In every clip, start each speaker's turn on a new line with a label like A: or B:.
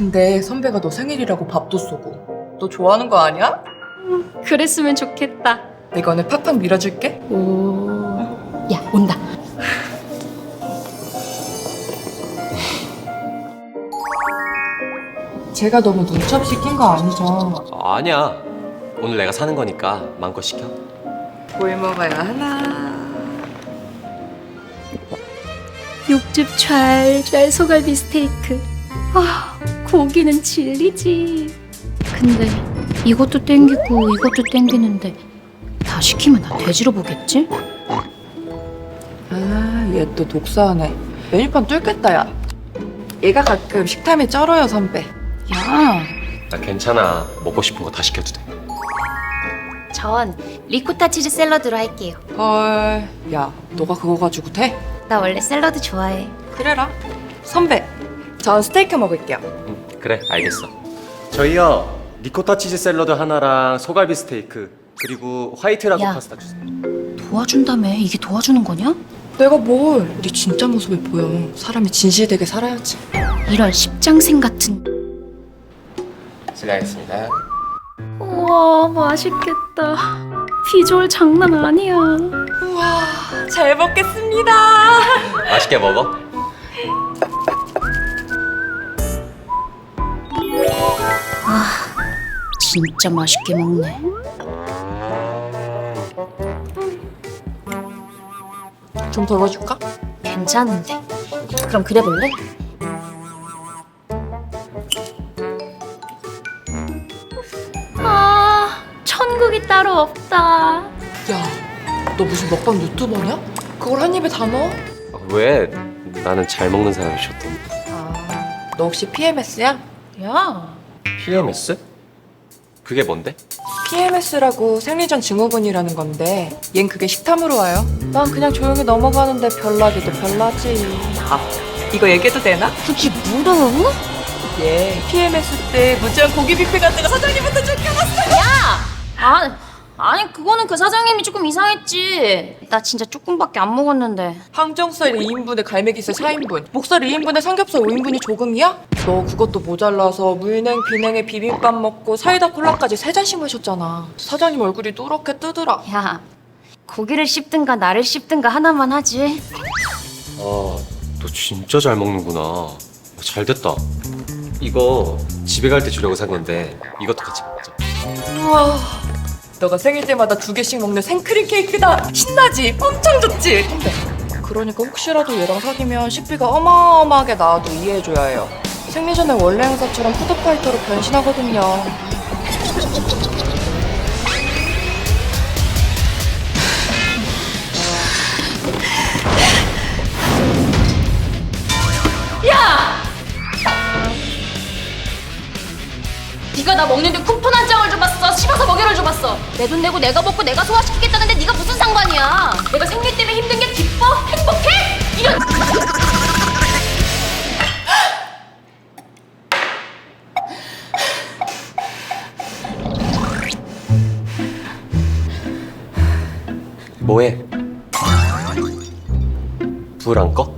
A: 근데 선배가 너 생일이라고 밥도 쏘고. 너 좋아하는 거 아니야?
B: 그랬으면 좋겠다.
A: 내가 오늘 팍팍 밀어줄게.
B: 오. 야, 온다.
A: 제가 너무 눈첩 시킨 거 아니죠?
C: 아니야. 오늘 내가 사는 거니까 마음껏 시켜.
A: 뭘 먹어야 하나?
B: 육즙 잘 소갈비 스테이크. 아, 고기는 진리지. 근데 이것도 땡기고 이것도 땡기는데 다 시키면 나 돼지로 보겠지?
A: 아, 얘 또 독사하네. 메뉴판 뚫겠다, 야. 얘가 가끔 식탐이 쩔어요, 선배.
B: 야,
C: 나 괜찮아. 먹고 싶은 거 다 시켜도 돼.
B: 전 리코타 치즈 샐러드로 할게요.
A: 헐, 야, 너가 그거 가지고 돼?
B: 나 원래 샐러드 좋아해.
A: 그래라. 선배, 전 스테이크 먹을게요.
C: 그래, 알겠어. 저희요. 리코타 치즈 샐러드 하나랑 소갈비 스테이크 그리고 화이트 라고
B: 야.
C: 파스타 주세요.
B: 도와준다며? 이게 도와주는 거냐?
A: 내가 뭘? 네 진짜 모습을 보여. 사람이 진실되게 살아야지.
B: 이런 십장생 같은.
C: 실례하겠습니다.
B: 우와, 맛있겠다. 비주얼 장난 아니야.
A: 우와, 잘 먹겠습니다.
C: 맛있게 먹어.
B: 진짜 맛있게 먹네.
A: 좀 덜어줄까?
B: 괜찮은데. 그럼 그래 볼래? 아, 천국이 따로 없다.
A: 야, 너 무슨 먹방 유튜버냐? 그걸 한 입에 다 넣어?
C: 왜? 나는 잘 먹는 사람이 좋던데.
A: 아, 너 혹시 PMS야?
B: 야,
C: PMS? 그게 뭔데?
A: PMS라고 생리전 증후군이라는 건데 얜 그게 식탐으로 와요. 난 그냥 조용히 넘어가는데 별나기도 별나지. 아, 이거 얘기해도 되나?
B: 그게 뭐라고?
A: 예, PMS 때 무제한 고기 뷔페 갔다가 사장님한테 쫓겨났어.
B: 아니 그거는 그 사장님이 조금 이상했지. 나 진짜 조금밖에 안 먹었는데.
A: 항정살 2인분에 갈매기살 4인분, 목살 2인분에 삼겹살 5인분이 조금이야? 너 그것도 모자라서 물냉, 비냉에 비빔밥 먹고 사이다 콜라까지 3잔씩 마셨잖아. 사장님 얼굴이 누렇게 뜨더라.
B: 야, 고기를 씹든가 나를 씹든가 하나만 하지.
C: 아, 너 진짜 잘 먹는구나. 잘 됐다. 이거 집에 갈 때 주려고 산 건데 이것도 같이 먹자.
A: 우와, 너가 생일 때마다 2개씩 먹는 생크림 케이크다. 신나지? 엄청 좋지? 근데 그러니까 혹시라도 얘랑 사귀면 식비가 어마어마하게 나와도 이해해줘야 해요. 생리 전에 원래 행사처럼 푸드파이터로 변신하거든요.
B: 네가 나 먹는데 쿠폰 한 장을 줘봤어. 씹어서 먹이를 줘봤어. 내 돈 내고 내가 먹고 내가 소화시키겠다는데 네가 무슨 상관이야. 내가 생리 때문에 힘든 게 기뻐? 행복해? 이런.
C: 뭐해? 불 안 꺼?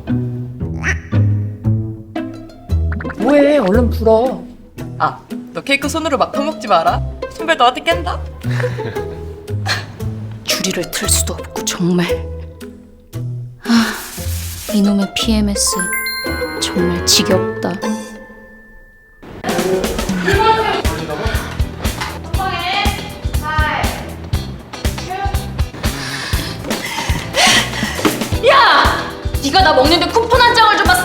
A: 뭐해, 얼른 불어. 아, 너 케이크 손으로 막 퍼먹지 마라. 선배 너한테 깬다.
B: 주리를 틀 수도 없고 정말. 아, 이놈의 PMS 정말 지겹다. 야! 네가 나 먹는데 쿠폰 한 장을 줘봤어.